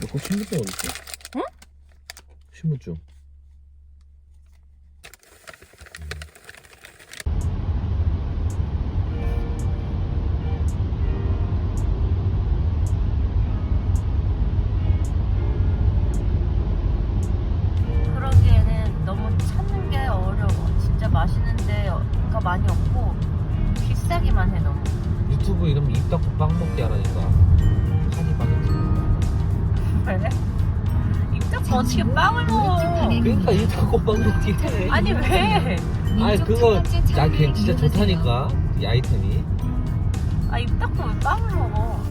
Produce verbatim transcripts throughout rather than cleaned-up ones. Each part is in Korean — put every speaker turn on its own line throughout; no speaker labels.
너거 신분증 어딨어?
응?
신분증.
그러기에는 너무 찾는 게 어려워. 진짜 맛있는 데가 많이 없고 비싸기만 해 너무.
유튜브 이러면 입 닫고 빵 먹게 하라니까. 한이 바게트.
왜? 입 닫고 어떻게 빵을 먹어?
그러니까 입 닫고 빵 먹게 해.
아니 왜?
아니 그거 야 걔 진짜 좋다니까 이 아이템이.
아 입 닫고 왜 빵을 먹어?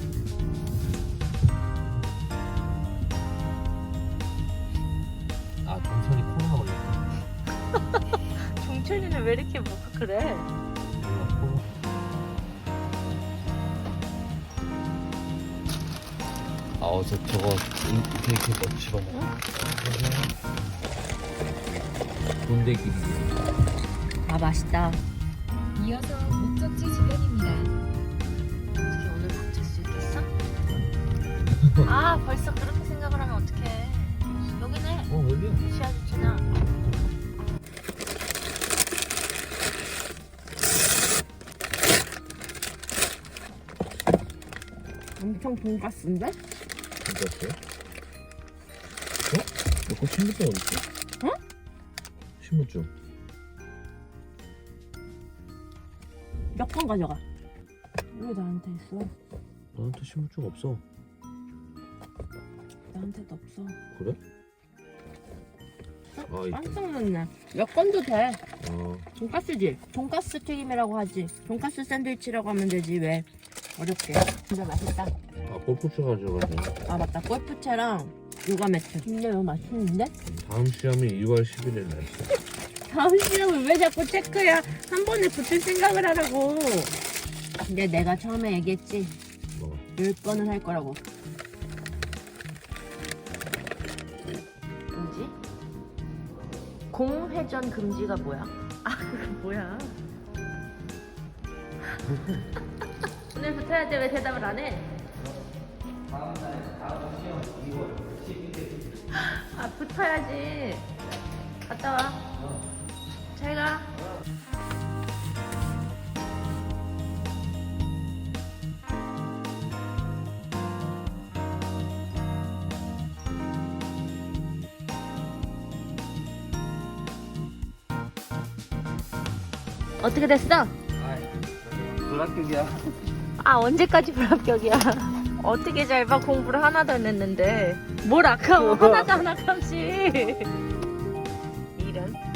아 종선이 코로나 걸렸다.
종철이는 왜 이렇게 뭐 그래?
몰라 코로나. 아 어제 저거 케이크 또 집어먹어. 돈대길이.
아 맛있다.
이어서 목적지 주변입니다.
어떻게 오늘 다칠 수 있겠어? 아 벌써 그렇게 생각을 하면 어떡해. 여기네.
어 여기야.
시야 좋잖아. 엄청 돈가스인데?
진짜였어요? 어? 너거 신분증 어딨어?
응?
신분증.
여권 가져가. 왜 나한테 있어?
나한테 신분증 없어.
나한테도 없어.
그래? 아, 있다.
깜짝 놀랐네. 여권도 돼.
아,
돈가스지? 돈가스 튀김이라고 하지. 돈가스 샌드위치라고 하면 되지. 왜 어렵게. 진짜 맛있다.
아 골프채 가져가자.
아 맞다. 골프채랑 요가 매트. 근데 이거 맛있는데?
다음 시험이 이월 십일일 날.
다음 시험을 왜 자꾸 체크야? 한 번에 붙을 생각을 하라고. 근데 내가 처음에 얘기했지.
뭐?
열 번은 할 거라고. 뭐지? 공회전 금지가 뭐야? 아 그거 뭐야? 오늘 붙어야 돼. 왜 대답을 안 해? 아 붙어야지. 갔다 와. 잘 가. 어떻게 됐어?
불합격이야.
아 언제까지 불합격이야? 어떻게 잘 봐. 공부를 하나도 안 했는데 뭘 아까워. 하나도 안 아깝지. 이런